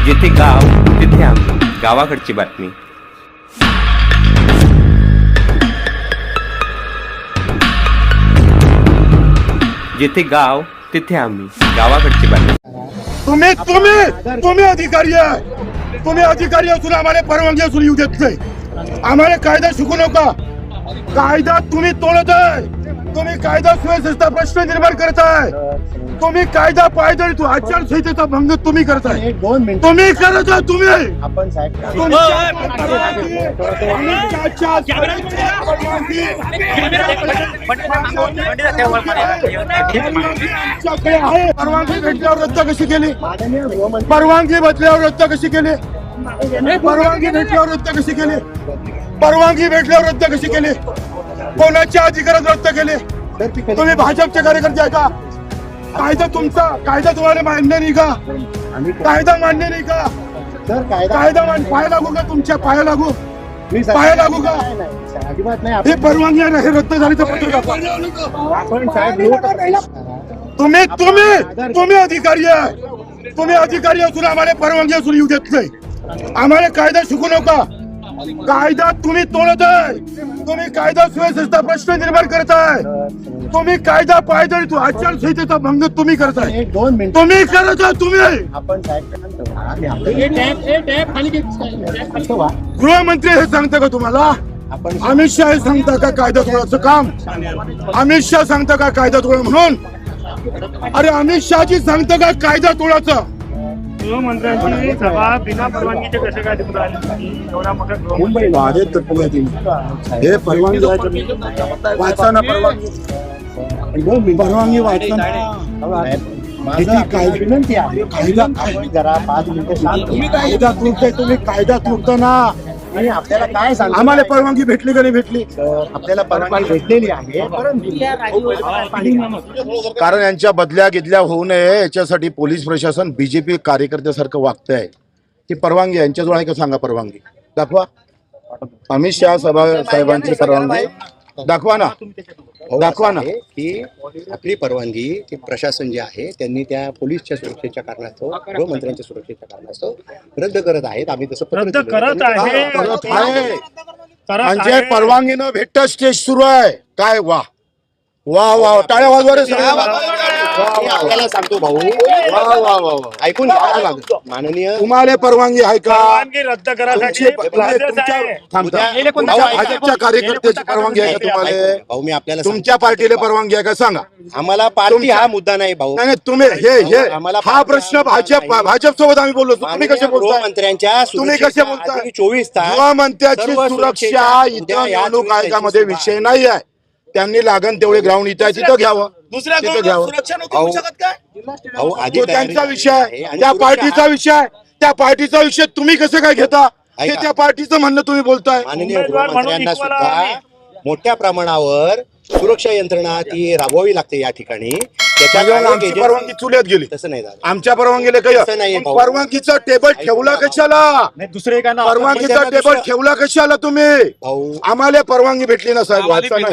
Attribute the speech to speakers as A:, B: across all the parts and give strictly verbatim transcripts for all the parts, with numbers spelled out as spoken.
A: जिथे गाव तिथे आम्ही, गावाकडची बातमी. जिथे गाव तिथे आम्ही, गावाकडची बातमी.
B: तुम्ही तुम्ही तुम्ही अधिकारी आहे, तुम्ही अधिकारी असून आम्हाला परवानगी असून येऊ देत नाही. आम्हाला कायदा शिकू नका. कायदा तुम्ही तोडत आहे. तुम्ही कायदा सुव्यवस्थेचा प्रश्न निर्माण करताय. तुम्ही कायदा पायदळी तू आचारसंहितेचा भंग तुम्ही करताय. तुम्ही करत आहे. तुम्ही
C: आपण साहेब
B: परवानगी भेटल्यावर रद्द कशी केली? परवानगी भेटल्यावर रद्द कशी केली? परवानगी भेटल्यावर रद्द कशी केली? परवानगी भेटल्यावर रद्द कशी केली? कोणाच्या अधिकारात रद्द केले? तुम्ही भाजपचे कार्यकर्ते आहे का? कायदा तुमचा, कायदा तुम्हाला मान्य नाही का? कायदा मान्य नाही का?
C: सर कायदा
B: कायदा मान पाया लागू का? तुमच्या पाया लागू
C: मी
B: पाया लागू का?
C: अजिबात नाही.
B: हे परवानगी आहे ना, हे रद्द झाली तर पत्र दाखवा.
C: आपण साहेब
B: तुम्ही तुम्ही तुम्ही अधिकारी आहे. तुम्ही अधिकारी असून आम्हाला परवानगी असून येऊ देत नाही. आम्हाला कायदा शिकू नका. कायदा तुम्ही तोडत आहे. तुम्ही कायदा सुव्यवस्थेचा प्रश्न निर्माण करताय. तुम्ही कायदा पायदळी तू आचारसंहितेचा भंग तुम्ही करताय.
C: एक दोन मिनिट
B: तुम्ही करत आहे. तुम्ही
C: आपण साहेब
B: गृहमंत्री हे सांगता का तुम्हाला?
C: आपण
B: अमित शहा हे सांगता का कायदा तोडायचं काम? अमित शहा सांगता का कायदा तोडा म्हणून? अरे अमित शहाजी सांगता का कायदा तोडायचं?
D: गृहमंत्र्यांची सभा बिना परवानगीचे कसे काय तिकडे आली? एवढा मोठा गृह
B: मुंबई वाढत तर पुण्यातील हे परवानगी वाचताना परवानगी परवानगी वाचताना
C: माझं काय विनंती आहे,
B: कायदा
C: आपण जरा पाच मिनिटं शांत
B: तुम्ही
C: व्हा.
B: कायदा तोडताय. तुम्ही कायदा तोडता ना.
C: आणि आपल्याला काय सांग
B: आम्हाला परवानगी भेटली का नाही भेटली?
C: आपल्याला परवानगी भेटलेली आहे, परंतु
E: कारण यांच्या बदल्या गिदल्या होऊ नये याच्यासाठी पोलीस प्रशासन बीजेपी कार्यकर्त्यासारखं वागत आहे. ती परवानगी यांच्याजवळ आहे का सांगा? परवानगी दाखवा. अमित शहा सभा साहेबांची परवानगी दाखवा ना, दाखवा ना.
F: की आपली परवानगी ती प्रशासन जे आहे त्यांनी त्या पोलीसच्या सुरक्षेच्या कारणास्तव, गृहमंत्र्यांच्या सुरक्षेच्या कारणास्तव रद्द करत आहेत. आम्ही तसं पत्र
D: रद्द
F: दिलं.
D: करत
F: त्यांनी-
D: आहे.
E: करत आहे.
D: करत
E: म्हणजे
D: आहे.
E: परवानगी न भेटत स्टेज सुरू आहे. काय वा वा वा, टाळ्या वाजवा रे सगळे.
F: मी आपल्याला सांगतो भाऊ,
E: वा वा वा वा.
F: ऐकून घ्या लागत माननीय
E: तुम्हाला परवानगी आहे का?
D: परवानगी रद्द करायसाठी
E: तुमची-
D: प्रोसेस
E: तुमच्या
D: आहे.
E: थांबता.
F: उद्या-
E: तुमच्या भाजपच्या कार्यकर्त्याची परवानगी आहे का तुम्हाला?
F: भाऊ मी आपल्याला सांगतो.
E: तुमच्या पार्टीला परवानगी आहे का सांगा?
F: आम्हाला पार्टी
E: तुमच्या-
F: हा मुद्दा नाही भाऊ.
E: नाही नाही, तुम्ही हे हे
F: आम्हाला
E: हा प्रश्न भाजप भाजप सोबत आम्ही बोललो. तुम्ही कसे
F: माननीय
E: बोलताय?
F: गृहमंत्र्यांच्या
E: तुम्ही कसे बोलताय?
F: चोवीस तास
E: गृहमंत्र्याची
F: सर्व
E: सुरक्षा
F: सुरक्षेच्या
E: इथं
F: उद्या या
E: निवडणूक
F: चोवीस
E: आयोगामध्ये
F: तारखेची
E: विषय नाही आहे. त्यांनी लागण तेवढे ग्राउंड इथं आहे तिथं घ्यावं, तिथं घ्यावं.
F: भाऊ भाऊ, आधी
E: तो
F: तयारी
E: त्यांचा विषय
F: आहे
E: आहे,
F: आणि
E: त्या
F: सुरक्षा
E: पार्टीचा
F: हा-
E: विषय आहे. त्या पार्टीचा विषय तुम्ही कसं काय घेता? हे
F: ऐका.
E: त्या पार्टीचं म्हणणं तुम्ही बोलताय.
F: माननीय
D: उमेदवार म्हणून
F: गृहमंत्र्यांना
D: इक्वल
F: सुद्धा
D: आम्ही.
F: मोठ्या प्रमाणावर सुरक्षा यंत्रणा ती राबवावी लागते या ठिकाणी. त्याच्या
E: त्याच्यावर
F: काही
E: आमची
F: agency-
E: परवानगी चुल्यात गेली.
F: तसं नाही झालं.
E: आमच्या परवानगीला
F: तसं नाहीये
E: काही
F: भाऊ.
E: परवानगीचा टेबल ठेवला कशाला?
C: दुसरे का
E: परवानगीचा
F: त्यांना
E: टेबल
F: दुसरं-
E: ठेवला कशाला तुम्ही?
F: भाऊ
E: आम्हाला परवानगी भेटली ना साहेब. वाचा ना हे.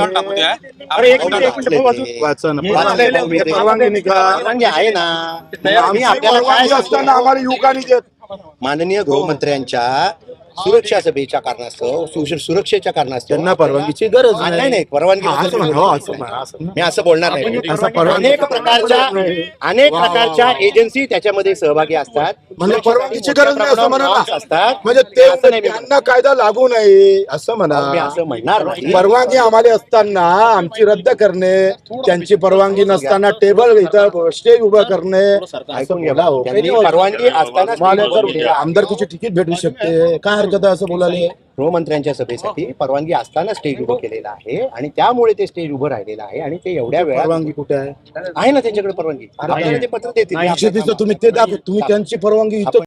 D: अरे एक मिनिट, एक मिनिट, वाचू.
E: वाचा ना.
F: वाचलंय भाऊ मी ते.
E: परवानगी नाही का?
F: परवानगी आहे ना. आम्ही
E: आमची
F: आपल्याला काय
E: परवानगी
F: सांगतो?
E: असताना आम्हाला युवकांनी देत.
F: माननीय गृहमंत्र्यांच्या सुरक्षा सभेच्या कारणास्तव, सु- सुरक्षेच्या कारणास्तव
E: त्यांना परवानगीची गरज
F: हा, नाही नाही परवानगी
E: हा, असं
F: नसेल.
E: म्हणा, हो, असं म्हणा, असं म्हणा.
F: मी असं बोलणार नाही.
E: असं परवानगी-
F: अनेक प्रकारच्या अनेक
E: वा, वा,
F: प्रकारच्या
E: वा.
F: एजन्सी त्याच्यामध्ये सहभागी असतात.
E: म्हणजे परवानगीची गरज नाही असं म्हणा ना.
F: असतात.
E: म्हणजे
F: मी
E: ते
F: असं नाही म्हणत.
E: त्यांना कायदा लागू नये असं
F: मी
E: म्हणा.
F: असं म्हणणार नाही.
E: परवानगी आम्हाला असताना आमची रद्द करणे, त्यांची परवानगी नसताना टेबल इथं स्टेज उभं करणे
F: ऐकून घ्या भाऊ. त्यांनी परवानगी असताना
E: मला तर आमदारकीची तिकीट भेटू शकते. काय हरकत आहे असं बोलायला?
F: गृहमंत्र्यांच्या सभेसाठी परवानगी असताना स्टेज उभं केलेलं आहे आणि त्यामुळे ते स्टेज उभं राहिलेलं आहे आणि ते एवढ्या वेळा
E: परवानगी कुठे आहे?
F: आहे ना त्यांच्याकडे परवानगी. आपल्याला ते पत्र देतील.
E: तुम्ही ते दाखव. तुम्ही त्यांची परवानगी इथं